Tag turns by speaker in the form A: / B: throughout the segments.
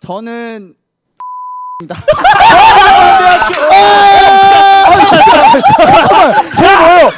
A: 저는
B: 제가 뭐예요?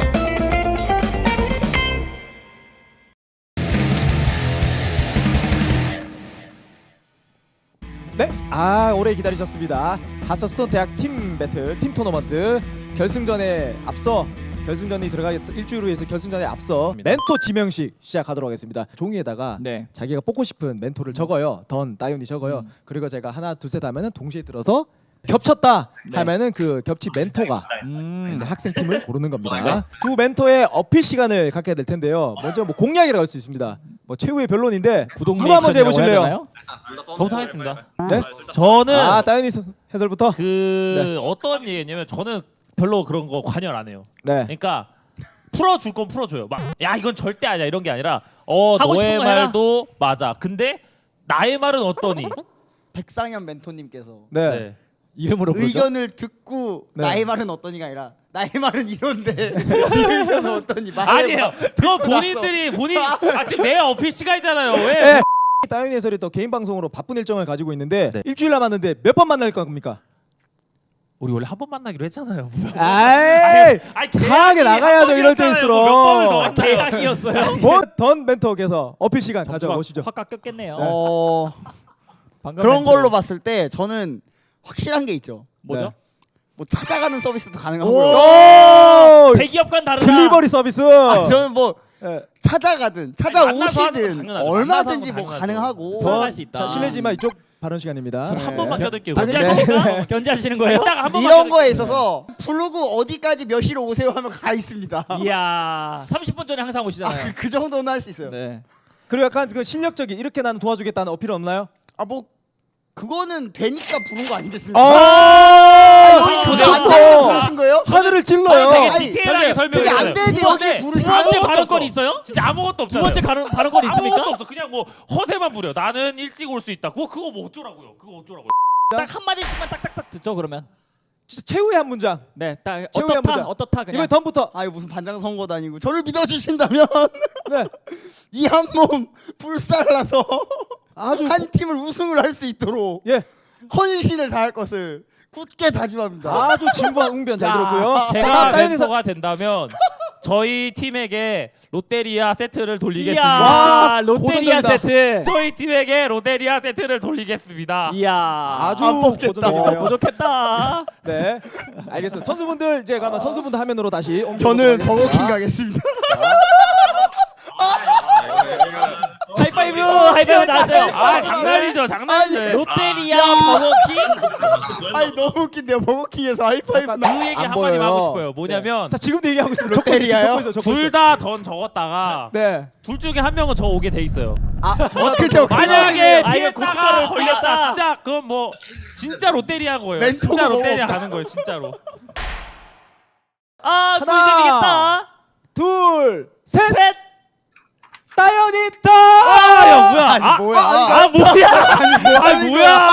B: 네, 오래 기다리셨습니다. 하스스톤 대학 팀 배틀, 팀 토너먼트 결승전에 앞서 결승전이 들어가기 일주일 후에 결승전에 앞서 멘토 지명식 시작하도록 하겠습니다. 종이에다가
C: 네.
B: 자기가 뽑고 싶은 멘토를 적어요. 따윤이 적어요. 그리고 제가 하나 둘셋 하면은 동시에 들어서 겹쳤다 하면은 그 겹치 멘토가 이제 학생 팀을 고르는 겁니다. 두 멘토의 어필 시간을 갖게 될 텐데요. 먼저 뭐 공약이라고 할 수 있습니다. 뭐 최후의 변론인데 누가 먼저 해보실래요?
C: 저부터 하겠습니다.
B: 네?
C: 저는
B: 따윤이 해설부터.
C: 그 어떤 얘기냐면 저는 별로 그런 거 관여를 안 해요.
B: 네.
C: 그러니까 풀어줄 건 풀어줘요. 막 야 이건 절대 아니야 이런 게 아니라
D: 하고
C: 너의
D: 싶은 거 해라.
C: 말도 맞아. 근데 나의 말은 어떠니?
A: 백상현 멘토님께서
B: 네.
C: 네.
B: 이름으로 부르죠.
A: 의견을 듣고
B: 네.
A: 나의 말은 어떠니가 아니라 나의 말은 이런데 네 의견은 어떠니?
C: 아니에요. 그건 본인들이 지금 내 어필 시간이잖아요. 왜?
B: 네. 따윤이 해설이 또 개인 방송으로 바쁜 일정을 가지고 있는데
C: 네.
B: 일주일 남았는데 몇 번 만날 겁니까?
C: 우리 원래 한 번 만나기로 했잖아요.
B: 아이, 강하게 나가야죠, 이럴
C: 몇
B: 때일수록.
C: 번을 더 만나요.
D: 계약이었어요.
B: 던 멘토께서 어필 시간 가져보시죠.
D: 확 깎였겠네요. 방금
A: 그런
D: 멘트로.
A: 걸로 봤을 때 저는 확실한 게 있죠.
D: 뭐죠?
A: 뭐 찾아가는 서비스도
D: 오!
A: 가능하고요.
D: 대기업과는 다르다.
B: 딜리버리 서비스.
A: 저는 뭐
B: 예.
A: 찾아가든
C: 만나서 하는 건
A: 찾아오시든
C: 당연하죠.
A: 얼마든지
C: 만나서
A: 뭐
C: 하는 건
A: 가능하고.
D: 들어갈 수 있다.
B: 실례지만 이쪽 발언 시간입니다.
C: 저는 한 번만 껴들게요.
D: 견제하십니까? 견제하시는 거예요?
C: 이따가 한 번만
A: 이런
C: 껴들게요.
A: 거에 있어서 부르고 어디까지 몇 시로 오세요 하면 가 있습니다.
D: 이야, 30분 전에 항상 오시잖아요.
A: 그 정도는 할 수 있어요.
D: 네.
B: 그리고 약간 그 실력적인 이렇게 나는 도와주겠다는 어필 없나요?
A: 뭐 그거는 되니까 부른 거
B: 어!
A: 아니겠습니까? 여기 그게 안
B: 좋다.
A: 되는데 부르신 거예요?
B: 하늘을 찔러요.
C: 되게
A: 아니,
C: 디테일하게
A: 그게
C: 설명해줘요.
A: 안 되는데
D: 두
A: 여기
D: 번째,
A: 부르신
D: 두 번째
A: 거예요?
D: 발언권이 있어요?
C: 진짜 아무것도
D: 두
C: 없잖아요.
D: 번째 발언권이 있습니까?
C: 아무것도 없어. 그냥 뭐 허세만 부려. 나는 일찍 올 수 있다. 그거 뭐 어쩌라고요? 그거 어쩌라고요?
D: 딱 한 마디씩만 딱딱딱 듣죠 그러면.
B: 진짜 최후의 한 문장.
D: 네, 딱
B: 최후의 한 문장.
D: 어떻다 그냥.
B: 이번에 던부터.
A: 아유 무슨 반장 선거도 아니고 저를 믿어주신다면
B: 네.
A: 이 한 몸 불살라서
B: 아주
A: 한 팀을 우승을 할 수 있도록
B: 예.
A: 헌신을 다할 것을 굳게 다짐합니다.
B: 아주 진부한 웅변 잘 들었고요.
C: 제가
B: 따윤이 서
C: 멘토가 된다면 저희 팀에게 롯데리아 세트를 돌리겠습니다.
D: 이야,
B: 와,
D: 롯데리아
B: 고전적이다.
D: 세트.
C: 저희 팀에게 롯데리아 세트를 돌리겠습니다.
D: 이야,
B: 아주
A: 안 뽑겠다.
B: 고전적이네요.
D: 부족했다.
B: 네, 알겠습니다. 선수분들 이제 가면 선수분들 화면으로 다시
A: 저는
B: 옮겨보도록
A: 버거킹
B: 하겠습니다.
A: 가겠습니다.
D: 하이파이브, 하이파이브 나왔어요.
C: 장난이죠, 장난이죠.
D: 롯데리아
A: 야.
D: 버거킹.
A: 아니 너무 웃긴데요. 버거킹에서 하이파이브
B: 잠깐,
A: 나.
C: 그 얘기
B: 안
C: 한마디만
B: 보여요.
C: 하고 싶어요. 뭐냐면
B: 자, 지금도 얘기하고 있습니다.
A: 롯데리아요?
B: 적고
C: 둘
B: 있어요.
C: 다 던 적었다가
B: 네.
C: 둘 중에 한 명은 저 오게 돼 있어요.
A: 그렇죠.
C: 만약에
D: 아, 이거
C: 피했다가
D: 고춧가루
C: 걸렸다,
D: 걸렸다.
C: 진짜 그건 뭐 진짜 롯데리아 거예요.
A: 멘토가
C: 진짜 롯데리아
A: 먹었다.
C: 가는 거예요, 진짜로.
D: 아,
B: 하나.
D: 꿀잼이겠다.
B: 둘, 셋.
D: 셋.
B: 따윤이 터.
C: 아, 야 뭐야?
A: 아니 뭐야?
C: 아 뭐야?
A: 아니
C: 뭐야?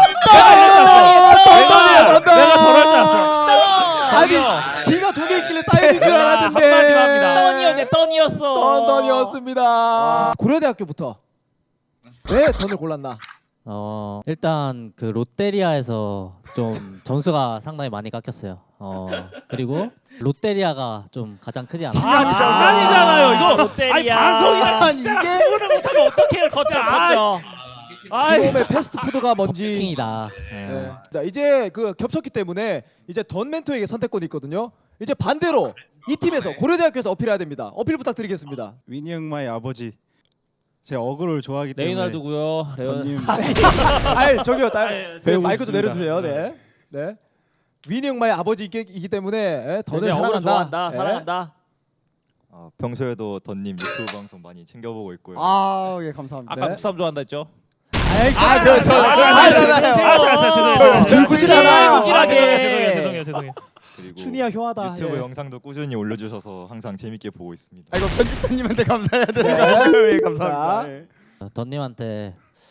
C: 내가 저럴 줄 알았어.
B: 아니,
C: 저기요.
B: D가 두 개 있길래 따윤인 줄 알았는데.
C: 한마디만 합니다.
D: 던이었네, 던이었어.
B: 던이었습니다. 고려대학교부터 왜 던을 골랐나?
E: 일단 그 롯데리아에서 좀 점수가 상당히 많이 깎였어요. 그리고 롯데리아가 좀 가장 크지 않아.
C: 아 장난이잖아요 이거.
D: 롯데리아.
C: 아니 방송이라
A: 아니
C: 진짜
A: 이게
C: 구분을 못하면 어떡해요 진짜.
D: 컸죠.
C: 아이
B: 몸의 패스트푸드가 뭔지.
E: 킹이다.
B: 네. 자, 이제 그 겹쳤기 때문에 이제 던 멘토에게 선택권이 있거든요. 이제 반대로 이 팀에서 고려대학교에서 어필해야 됩니다. 어필 부탁드리겠습니다.
F: 위니 형마의 아버지. 제 어그를 좋아하기 때문에
C: 레이날드고요.
F: 던님
B: 아이 저기요,
C: 네,
B: 네, 마이크 좀
F: 싶습니다.
B: 내려주세요. 네, 네. 위니 형마의 아버지이기 때문에 던을
D: 이제 어그로
B: 사랑한다.
D: 좋아한다,
B: 네.
D: 사랑한다.
G: 평소에도 던님 유튜브 방송 많이 챙겨보고 있고요.
A: 예 감사합니다.
C: 아까
B: 네.
C: 국삼 좋아한다 했죠?
A: 그렇죠.
B: 아, 들구지잖아요.
C: 죄송해요.
G: 그리고
B: 춘이야 효하다.
G: 유튜브
B: 예.
G: 영상도 꾸준히 올려주셔서 항상 재밌게 보고 있습니다.
A: 이거 편집자님한테 감사해야 되는 거
B: 네.
A: 아니에요? 예, 감사합니다.
B: 자.
A: 예.
E: 던님한테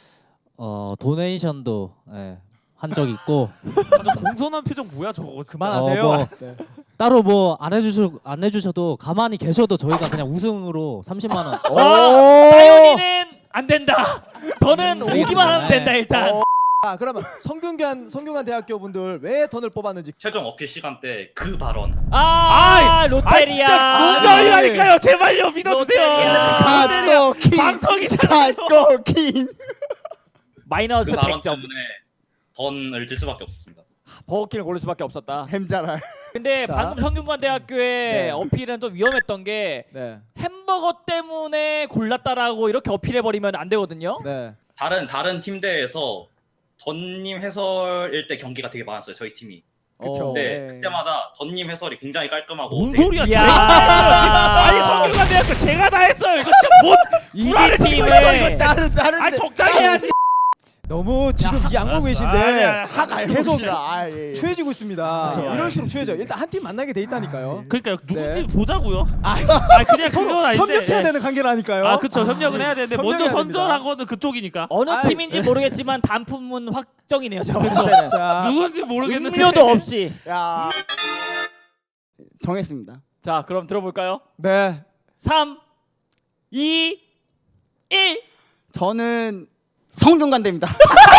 E: 도네이션도 한 적 있고
C: 저 공손한 표정 뭐야 저거 진짜.
B: 그만하세요.
E: 뭐.
B: 네.
E: 따로 뭐 안 해주셔도 가만히 계셔도 저희가 그냥 우승으로 30만 원.
D: 따윤이는 안 된다. 더는 오기만 하면 된다 일단.
B: 아 그러면 성균관 대학교 분들 왜 던을 뽑았는지.
H: 최종 어필 시간 때 그 발언.
C: 아
D: 롯데리아.
C: 진짜 농담이라니까요. 제발요 믿어주세요.
D: 롯데리아.
A: 갓도킹
C: 방송이잖아요.
A: 갓도킹
D: 마이너스
H: 그 발언
D: 100점.
H: 때문에 던을 질 수밖에 없었습니다.
D: 버거킹을 고를 수밖에 없었다.
A: 햄자랄
D: 근데
B: 자.
D: 방금 성균관 대학교의
B: 네.
D: 어필은 좀 위험했던 게
B: 네.
D: 햄버거 때문에 골랐다라고 이렇게 어필해 버리면 안 되거든요.
B: 네.
H: 다른 팀대에서 던님 해설일 때 경기가 되게 많았어요. 저희 팀이.
A: 그쵸.
H: 근데
B: 네.
H: 그때마다 던님 해설이 굉장히 깔끔하고
C: 뭔
H: 되게
C: 소리야?
D: 야.
C: 제가 다 했어요. 아니 성균관대학교 제가 다 했어요. 이거 진짜 뭔 불안을 치고 있어
D: 팀을
C: 이거.
A: 다른데
C: 아 적당히 해야지.
B: 너무 지금 이 악몽 계신데
C: 아니야.
A: 학 알고
B: 계속
A: 봅시다. 아, 예, 예.
B: 추해지고 있습니다.
C: 그쵸.
B: 이럴수록 추해져. 일단 한 팀 만나게 돼 있다니까요.
C: 그러니까 누군지
B: 네.
C: 보자고요. 그냥 그건 아닌데.
B: 협력해야 되는 관계라니까요.
C: 아 그쵸 협력은 해야 되는데 먼저
B: 협력해야
C: 선전한 거는 그쪽이니까.
D: 어느
B: 아이,
D: 팀인지 모르겠지만 단품은 확정이네요. 제가
B: 그쵸.
D: 봤을 때는.
B: 자,
C: 누군지 모르겠는데.
D: 음료도 없이.
A: 야 정했습니다.
D: 자, 그럼 들어볼까요?
B: 네.
D: 3, 2, 1.
A: 저는 성균관대입니다.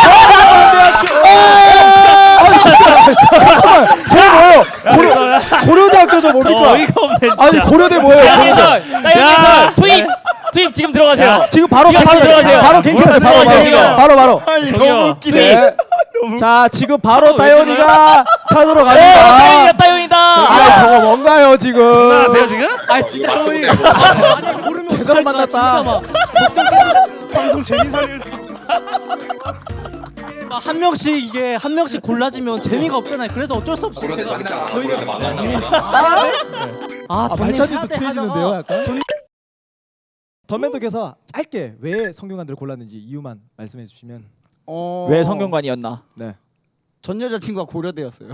B: 고려대학교 저 뭡니까?
C: 어이가 없네 진짜.
B: 아니 고려대 뭐예요?
D: 따윤
B: 고려대.
D: 해설, 따윤 해설, 투입, 투입 지금 들어가세요.
B: 지금 바로
D: 지금 바로 들어가세요.
B: 바로 갱킹하세요.
D: 들어가세요.
B: 바로.
A: 아니
C: 저기요.
A: 너무 웃기네.
B: 네. 자 지금 바로
C: 왜
B: 다현이가 찾으러
D: 따윤이다,
B: 갑니다.
D: 따윤이다.
B: 아 저거 뭔가요 지금?
C: 안녕하세요 지금?
B: 아 진짜
H: 맞춰보내고
B: 제대로 만났다.
F: 방송 재미살릴
I: 한 명씩 이게 한 명씩 골라지면 재미가 없잖아요. 그래서 어쩔 수 없이 제가
H: 저희가 만났나
B: 아
I: 던님
B: 발전이 또
I: 하대
B: 추해지는데요,
I: 하다가
B: 약간. 던멘토께서 짧게 왜 성균관들을 골랐는지 이유만 말씀해 주시면.
D: 왜 성균관이었나?
A: 전 여자친구가 고려대였어요.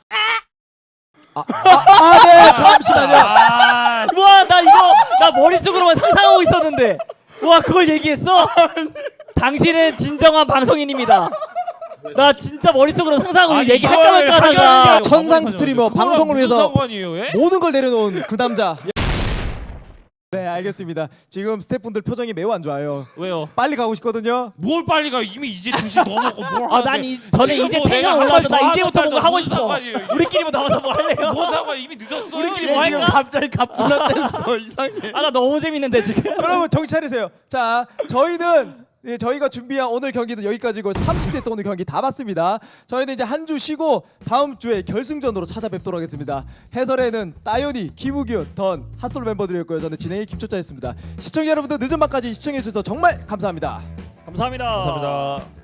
B: 네, 잠시만요.
C: 아
D: 우와, 나 머릿속으로만 상상하고 있었는데. 우와, 그걸 얘기했어? 당신은 진정한 방송인입니다. 나 진짜 머릿속으로 상상하고
C: 아니,
D: 얘기할까 말까
C: 이걸
D: 하다가
C: 하려고
B: 천상 스트리머
C: 그거랑
B: 방송을
C: 무슨
B: 위해서
C: 상관이에요, 예?
B: 모든 걸 내려놓은 그 남자. 네, 알겠습니다. 지금 스태프분들 표정이 매우 안 좋아요.
C: 왜요?
B: 빨리 가고 싶거든요.
C: 뭘 빨리 가? 이미 이제 2시 넘었고 뭘
D: 아,
C: 하는데.
D: 저는
C: 지금
D: 이제
C: 뭐
D: 텐션
C: 내가
D: 올라와서 나
C: 한
D: 이제부터
C: 달
D: 뭔가
C: 더
D: 하고
C: 무슨
D: 싶어.
C: 상관이에요, 이게.
D: 우리끼리 뭐 나와서 뭐 할래요?
C: 뭔 상관 이미 늦었어.
D: 우리끼리
A: 얘
D: 뭐
A: 지금
D: 할까?
A: 갑자기 가뿐했어 이상해.
D: 아, 나 너무 재밌는데 지금.
B: 여러분 정신 차리세요. 자, 저희는 저희가 준비한 오늘 경기는 여기까지고 30대 또 오늘 경기 다 봤습니다. 저희는 이제 한 주 쉬고 다음 주에 결승전으로 찾아뵙도록 하겠습니다. 해설에는 따윤이, 김우규, 던, 핫솔 멤버들이었고요. 저는 진행의 김초짜였습니다. 시청자 여러분들 늦은 밤까지 시청해 주셔서 정말 감사합니다.
D: 감사합니다.
C: 감사합니다.